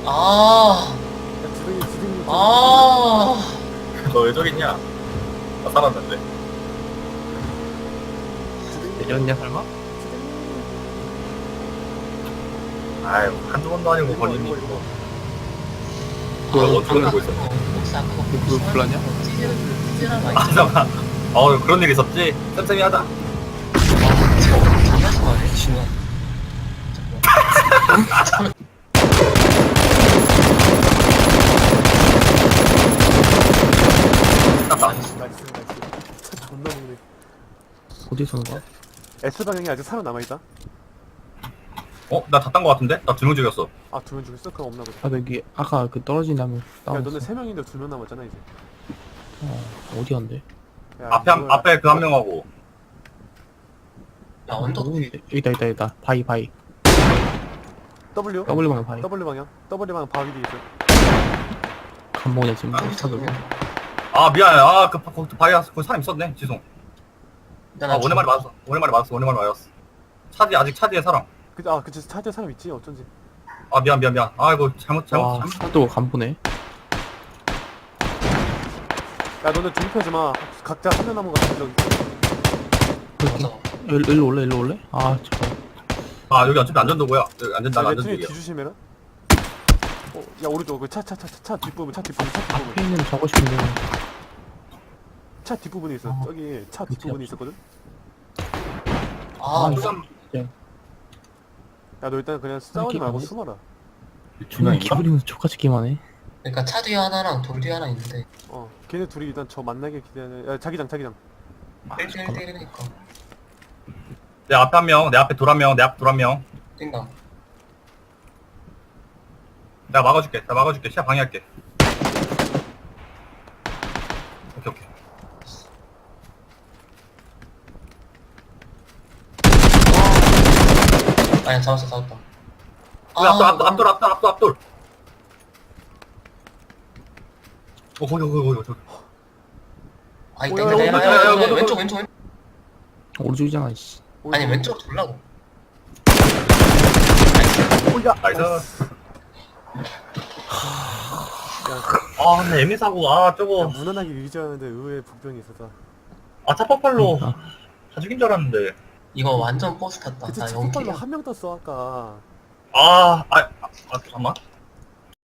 아, 야, 주둥이. 아, 너 왜 저기 있냐? 나 살았는데. 내렸냐 설마? 아유, 한두 번도 아니고 걸리니. 이거. 너 어떻게 알고 있었어? 혹시 아까 그거 불렀냐? 찌질한 거 아, 있지? 잠깐만. 그런 일 있었지? 쌤쌤이 하자. 장난친 거 아니야, 진우? 땄다. 나이스. 차 존나 먹네. 어디서 온 거야? S 방향에 아직 사람 남아있다? 나 다 딴 거 같은데? 나 2명 죽였어. 아, 2명 죽였어? 그럼 없나 보다. 아 여기 아까 그 떨어진 다음에 야, 나왔어. 너네 3명인데 2명 남았잖아, 이제. 어디 간대? 야, 앞에 그 한 명하고. 야, 언덕 누군데? 여기다 바위 W? W 방향 바위 W 방향? W 방향 바위 뒤에 있어. 간목이네 지금 비슷하게. 아, 미안해. 거기 바위 사람 있었네. 죄송. 일단 오랜만에 맞았어. 오랜만에 맞았어. 아직 차 뒤에 사람. 그치. 차 뒤에 사람 있지? 어쩐지. 아, 미안. 아이고, 잘못. 와 또 간보네. 야, 너네 중립하지 마. 각자 한 명 남은 거 같은 적 있어. 맞아. 일로 올래? 아 저거 아, 여기 어차피 안전도구야. 여기 야, 안전도구야. 레트리 뒤조심해라. 야, 오른쪽. 차 뒷부분. 앞에 있는 저거 싶은데 차 뒷부분에 있어. 저기 차 뒷부분에 있었거든? 아, 야, 너 일단 그냥 싸우지 말고 숨어라. 존나 기분이 족같이 게임하네. 그러니까 차 뒤에 하나랑 돌 뒤에 하나 있는데 걔네 둘이 일단 저 만나게 기대하는. 야, 자기장. 1대1이니까 내 앞에 한 명, 내 앞에 돌 한 명, 내 앞에 돌 한 명. 뛴다. 내가 막아줄게. 시야 방해할게. 오케이. 아니야, 잡았다. 앞돌. 거기. 아이, 뭐야, 땡겨, 야, 왼쪽. 오른쪽이잖아 씨. 아니, 왼쪽 돌라고. 야, 나이스. 야, 근데 애미사고, 저거. 무난하게 유지하는데 의외의 복병이 있었다. 차파팔로 그러니까. 다 죽인 줄 알았는데. 이거 완전 버스 탔다. 그치, 나 차 폭발로 0킬이야. 한 명 떴어, 아까. 잠깐만.